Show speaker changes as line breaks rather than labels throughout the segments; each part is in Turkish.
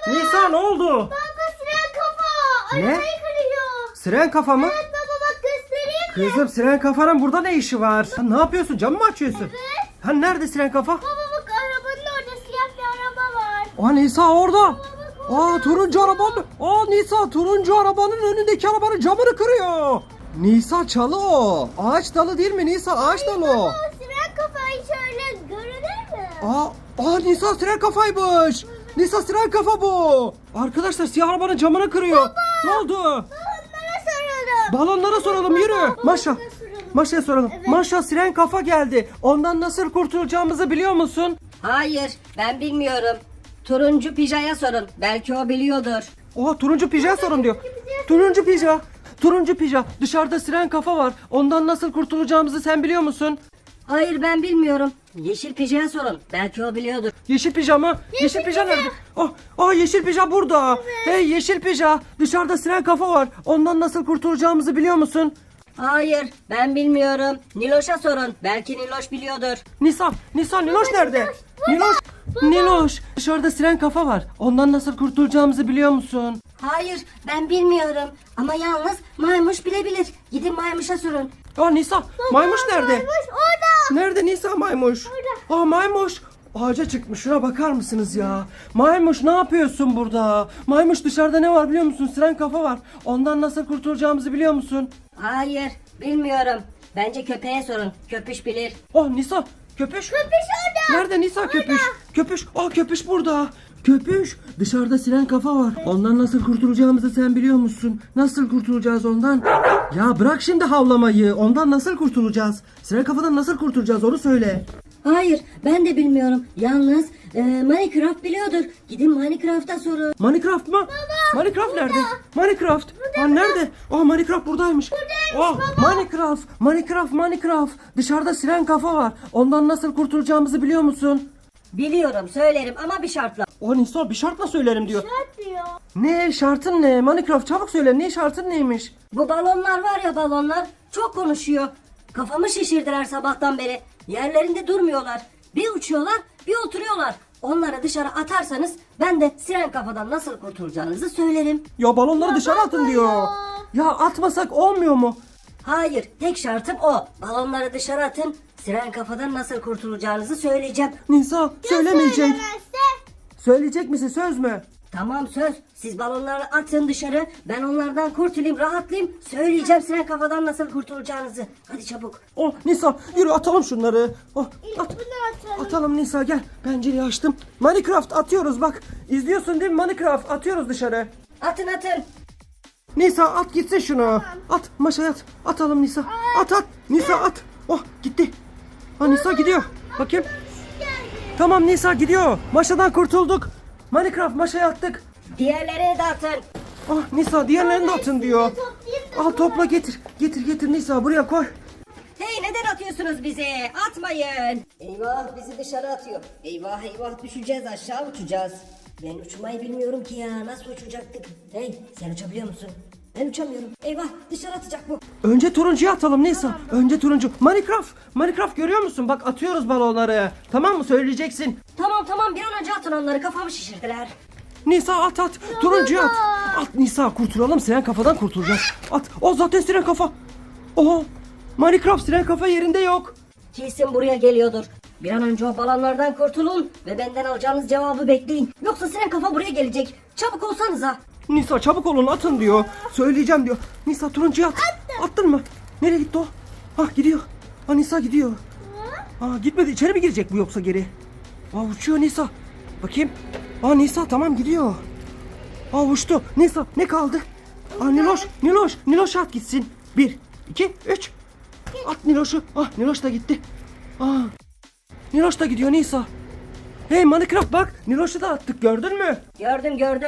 Nisa ne oldu?
Baba siren kafa.
Ne?
Arabayı kırıyor.
Siren kafa mı?
Evet baba bak göstereyim mi?
Kızım siren kafanın burada ne işi var? Sen ne yapıyorsun? Camı mı açıyorsun?
Evet.
Ha nerede siren kafa?
Baba bak arabanın orada siyah bir araba var.
Aa Nisa orada.
Baba bak
Aa turuncu arabanın. Aa Nisa turuncu arabanın önündeki arabanın camını kırıyor. Nisa çalı o. Ağaç dalı değil mi Nisa? Ağaç dalı o.
baba siren kafayı şöyle görünür mü?
Aa Nisa siren kafaymış. Nisa siren kafa bu. Arkadaşlar siyah arabanın camını kırıyor. Ne oldu?
Onlara soralım.
Balonlara soralım yürü. Maşa.
Onlara soralım.
Maşa'ya soralım.
Evet.
Maşa siren kafa geldi. Ondan nasıl kurtulacağımızı biliyor musun?
Hayır, ben bilmiyorum. Turuncu pijaya sorun. Belki o biliyordur.
Oha turuncu pija sorun diyor. Turuncu pija. Turuncu pija. Dışarıda siren kafa var. Ondan nasıl kurtulacağımızı sen biliyor musun?
Hayır, ben bilmiyorum. Yeşil pijaya sorun. Belki o biliyordur.
Yeşil pija mı? Yeşil pija nerede? Yeşil pija burada. Hey yeşil pija. Dışarıda siren kafa var. Ondan nasıl kurtulacağımızı biliyor musun?
Hayır, ben bilmiyorum. Niloş'a sorun. Belki Niloş biliyordur.
Nisa Niloş nerede? Niloş. Dışarıda siren kafa var. Ondan nasıl kurtulacağımızı biliyor musun?
Hayır, ben bilmiyorum. Ama yalnız maymuş bilebilir. Gidin maymuşa sorun.
Nisa maymuş nerede?
Maymuş orada.
Nerede Nisa maymuş? Maymuş. Ağaca çıkmış. Şuna bakar mısınız ya? Maymuş ne yapıyorsun burada? Maymuş dışarıda ne var biliyor musun? Siren kafa var. Ondan nasıl kurtulacağımızı biliyor musun?
Hayır, bilmiyorum. Bence köpeğe sorun. Köpüş bilir.
Nisa köpüş.
Köpüş orada.
Nerede Nisa köpüş? Köpüş. Köpüş burada. Köpüş. Dışarıda siren kafa var. Ondan nasıl kurtulacağımızı sen biliyor musun? Nasıl kurtulacağız ondan? Ya bırak şimdi havlamayı. Ondan nasıl kurtulacağız? Siren kafadan nasıl kurtulacağız onu söyle.
Hayır, ben de bilmiyorum. Yalnız Minecraft biliyordur. Gidin Minecraft'a sorun.
Minecraft mı? Minecraft nerede? Minecraft. Nerede? Minecraft buradaymış. Minecraft. Dışarıda siren kafa var. Ondan nasıl kurtulacağımızı biliyor musun?
Biliyorum, söylerim ama bir şartla.
Nisa bir şartla söylerim diyor.
Şart diyor.
Ne şartın ne? Minecraft çabuk söyle. Ne şartın neymiş?
Bu balonlar var ya balonlar çok konuşuyor. Kafamı şişirdiler sabahtan beri. Yerlerinde durmuyorlar. Bir uçuyorlar bir oturuyorlar. Onları dışarı atarsanız ben de siren kafadan nasıl kurtulacağınızı söylerim.
Ya balonları dışarı atın diyor. Ya atmasak olmuyor mu?
Hayır, tek şartım o. Balonları dışarı atın. Siren kafadan nasıl kurtulacağınızı söyleyeceğim.
Nisa söylemeyecek.
Söylemezse
Söyleyecek misin söz mü?
Tamam söz. Siz balonları atın dışarı. Ben onlardan kurtulayım, rahatlayayım. Söyleyeceğim siren kafadan nasıl kurtulacağınızı. Hadi çabuk.
Nisa yürü atalım şunları. At.
bunu atalım.
Atalım Nisa gel. Pencereyi açtım. Minecraft atıyoruz bak. İzliyorsun değil mi Minecraft? Atıyoruz dışarı.
Atın atın.
Nisa at gitsin şunu. At Maşa at. Atalım Nisa. At. Nisa at. Gitti. Nisa gidiyor. Bakayım. Tamam Nisa gidiyor. Maşadan kurtulduk. Minecraft Maşa'ya attık.
Diğerlerine de atın.
Nisa diğerlerini de atın diyor.
Toplayayım da
Al topla getir. Getir Nisa buraya koy.
Hey neden atıyorsunuz bizi? Atmayın. Eyvah bizi dışarı atıyor. Eyvah düşeceğiz aşağı uçacağız. Ben uçmayı bilmiyorum ki ya. Nasıl uçacaktık? Hey sen uçabiliyor musun? Ben uçamıyorum. Eyvah dışarı atacak bu.
Önce turuncuya atalım Nisa. Önce turuncu. Minecraft görüyor musun? Bak atıyoruz balonları. Tamam mı? Söyleyeceksin.
Tamam bir an önce atın onları kafamı şişirdiler.
Nisa at. Turuncuya at. At Nisa kurtulalım. Siren kafadan kurtulacağız. At. Zaten siren kafa. Minecraft siren kafa yerinde yok.
Kesin buraya geliyordur. Bir an önce o balonlardan kurtulun ve benden alacağınız cevabı bekleyin. Yoksa siren kafa buraya gelecek. Çabuk olsanıza.
Nisa çabuk olun atın diyor. Söyleyeceğim diyor. Nisa turuncuya at. Attın mı? Nereye gitti o? Gidiyor. Nisa gidiyor. Gitmedi. İçeri mi girecek bu yoksa geri? Uçuyor Nisa. Bakayım. Nisa tamam gidiyor. Uçtu. Nisa ne kaldı? Niloş at gitsin. 1, 2, 3. At Niloş'u. Niloş da gitti. Niloş da gidiyor Nisa. Hey Minecraft bak. Niloş'u da attık gördün mü?
Gördüm.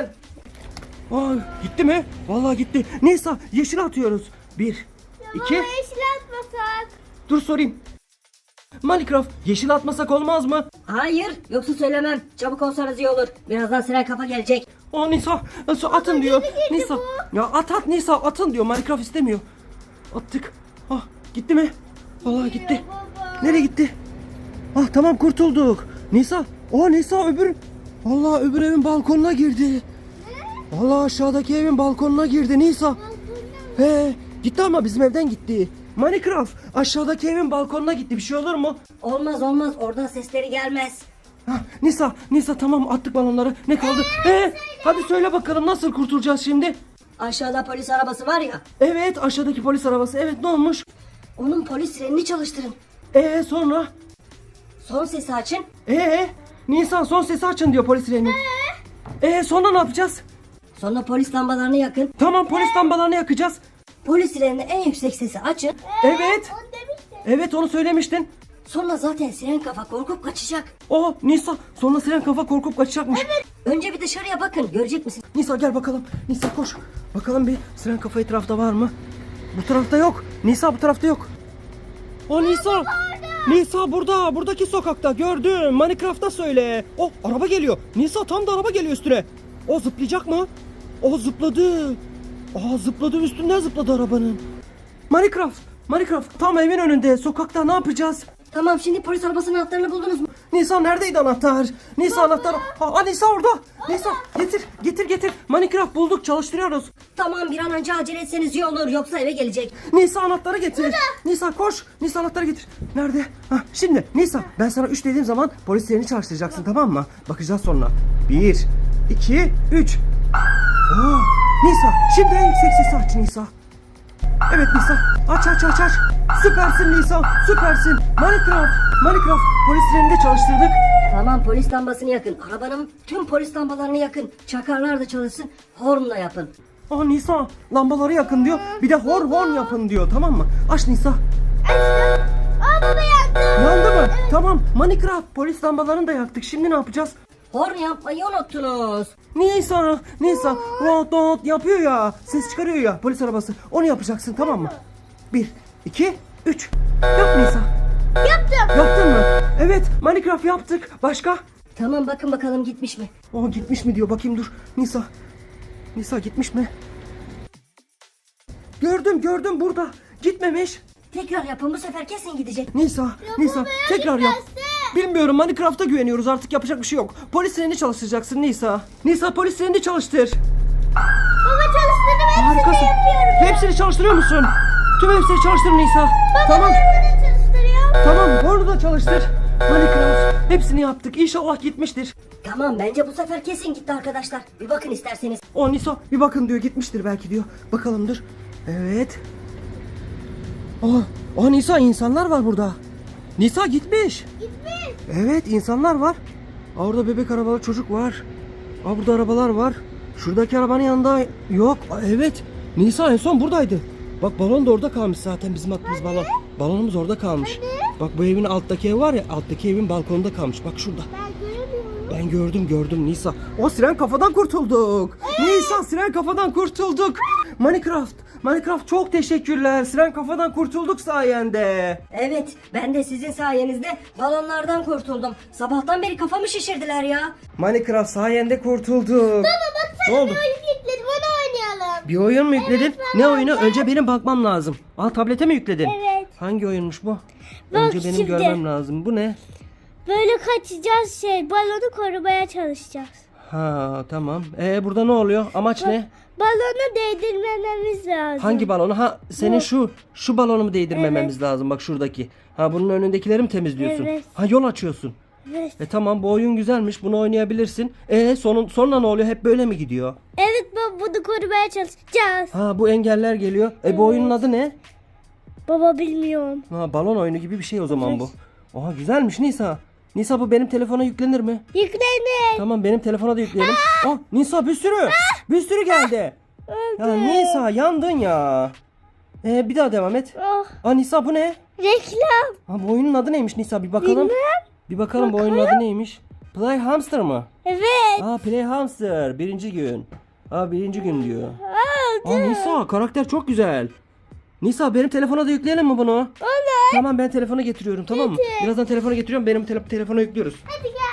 Gitti mi? Vallahi gitti. Nisa yeşil atıyoruz. 1, 2.
yeşil atmasak.
Dur sorayım. Minecraft yeşil atmasak olmaz mı?
Hayır yoksa söylemem. Çabuk olsanız iyi olur. Birazdan siren kafa gelecek.
Nisa atın diyor.
geri girdi
Nisa. Ya at Nisa atın diyor. Minecraft istemiyor. Attık. Gitti mi? Vallahi gitti.
Baba.
Nereye gitti? Tamam kurtulduk. Nisa. Nisa Allah öbür evin balkonuna girdi. Allah aşağıdaki evin balkonuna girdi Nisa. He, gitti ama bizim evden gitti. Minecraft aşağıdaki evin balkonuna gitti. Bir şey olur mu?
Olmaz olmaz, oradan sesleri gelmez.
Ha, Nisa tamam attık balonları. Ne kaldı? Hadi söyle bakalım nasıl kurtulacağız şimdi?
Aşağıda polis arabası var ya.
Evet aşağıdaki polis arabası. Evet ne olmuş?
Onun polis sirenini çalıştırın.
Sonra?
Son sesi açın.
Nisa son sesi açın diyor polis sireni. Sonra ne yapacağız?
Sonra polis lambalarını yakın.
Tamam polis lambalarını yakacağız.
Polis sirenini en yüksek sesi açın.
Evet.
Onu demiştim.
Evet onu söylemiştin.
Sonra zaten siren kafa korkup kaçacak.
Nisa sonra siren kafa korkup kaçacakmış.
Önce bir dışarıya bakın, görecek misin?
Nisa gel bakalım. Nisa koş. Bakalım bir siren kafa etrafta var mı? Bu tarafta yok. Nisa bu tarafta yok. Nisa. Nisa burada. Buradaki sokakta gördüm. Minecraft'ta söyle. Araba geliyor. Nisa tam da araba geliyor üstüne. Zıplayacak mı? Zıpladı. Zıpladı, üstünden zıpladı arabanın. Minecraft tam evin önünde. Sokakta ne yapacağız?
Tamam, şimdi polis arabasının anahtarını buldunuz mu?
Nisa neredeydi anahtar? Nisa anahtar. Nisa orada. Nisa getir. Minecraft bulduk, çalıştırıyoruz.
Tamam, bir an önce acele etseniz iyi olur, yoksa eve gelecek.
Nisa anahtarı getir. Nisa koş. Nisa anahtarı getir. Nerede? Şimdi Nisa ben sana 3 dediğim zaman polislerini çalıştıracaksın, tamam mı? Bakacağız sonra. 1, 2, 3. Nisa şimdi en yüksek sesi aç Nisa. Evet Nisa aç. Süpersin Nisa, süpersin. Minecraft polislerini de çalıştırdık.
Tamam, polis lambasını yakın. Arabanın tüm polis lambalarını yakın. Çakarlar da çalışsın. Hornla yapın.
Nisa lambaları yakın diyor. Bir de horn yapın diyor, tamam mı? Aç Nisa.
Baba yandı.
Yandı mı? Tamam. Minecraft polis lambalarını da yaktık. Şimdi ne yapacağız?
Horn yapmayı unuttunuz.
Nisa rot yapıyor ya. Ses çıkarıyor ya polis arabası. Onu yapacaksın, tamam mı? 1, 2, 3. Yap Nisa.
Yaptım.
Yaptın mı? Evet Minecraft yaptık. Başka?
Tamam, bakın bakalım gitmiş mi?
Gitmiş mi diyor. Bakayım dur. Nisa gitmiş mi? Gördüm burada. Gitmemiş.
Tekrar yapın, bu sefer kesin gidecek.
Nisa tekrar yap. Bilmiyorum, Minecraft'a güveniyoruz, artık yapacak bir şey yok. Polis sireni çalıştıracaksın Nisa. Nisa polis sireni çalıştır.
Baba çalıştırdım, hepsini
Harikasın.
yapıyorum.
Hepsini çalıştırıyor musun? Tüm hepsini çalıştır Nisa. Tamam.
Baba çalıştırıyorum.
Tamam onu da çalıştır. Minecraft hepsini yaptık. İnşallah gitmiştir.
Tamam, bence bu sefer kesin gitti arkadaşlar. Bir bakın isterseniz.
Nisa bir bakın diyor, gitmiştir belki diyor. Bakalım dur. Evet. Nisa insanlar var burada. Nisa gitmiş. Evet insanlar var. Orada bebek arabalı çocuk var. Burada arabalar var. Şuradaki arabanın yanında yok. Evet. Nisa en son buradaydı. Bak balon da orada kalmış zaten, bizim attığımız balon. Balonumuz orada kalmış. Bak bu evin alttaki ev var ya, alttaki evin balkonunda kalmış. Bak şurada.
Ben göremiyorum.
Ben gördüm Nisa. Siren kafadan kurtulduk. Nisa siren kafadan kurtulduk. Minecraft çok teşekkürler. Siren kafadan kurtulduk sayende.
Evet, ben de sizin sayenizde balonlardan kurtuldum. Sabahtan beri kafamı şişirdiler ya.
Minecraft sayende kurtulduk.
Baba bak
Ne
sen
oldu?
bir oyun yükledim, onu oynayalım.
Bir oyun mu yükledin?
Evet,
Ne
baba.
oyunu? Önce benim bakmam lazım. Tablete mi yükledin?
Evet.
Hangi oyunmuş bu?
Bak
Önce benim
şimdi.
görmem lazım. Bu ne?
Böyle kaçacağız, balonu korumaya çalışacağız.
Tamam. Burada ne oluyor? Amaç ne?
Balonu değdirmememiz lazım.
Hangi balonu? Senin
Bu.
şu balonu mu değdirmememiz lazım? Bak şuradaki. Bunun önündekileri mi temizliyorsun?
Evet.
Yol açıyorsun.
Evet.
Tamam bu oyun güzelmiş. Bunu oynayabilirsin. Sonra ne oluyor? Hep böyle mi gidiyor?
Evet baba, bunu korumaya çalışacağız.
Bu engeller geliyor. Bu oyunun adı ne?
Baba bilmiyorum.
Balon oyunu gibi bir şey o zaman
Evet.
bu. Güzelmiş Nisa. Nisa bu benim telefona yüklenir mi?
Yüklenir.
Tamam benim telefona da yükleyelim. Nisa bir sürü. Bir sürü geldi. Ya Nisa yandın ya. Bir daha devam et. Nisa bu ne?
Reklam.
Bu oyunun adı neymiş Nisa? Bir bakalım.
Bilmem.
Bir bakalım bu oyunun adı neymiş? Play Hamster mı?
Evet.
Play Hamster. Birinci gün. Birinci gün diyor. Nisa karakter çok güzel. Nisa benim telefona da yükleyelim mi bunu?
Olur.
Tamam ben telefonu getiriyorum, tamam mı? Birazdan telefonu getiriyorum, benim telefona yüklüyoruz.
Hadi gel.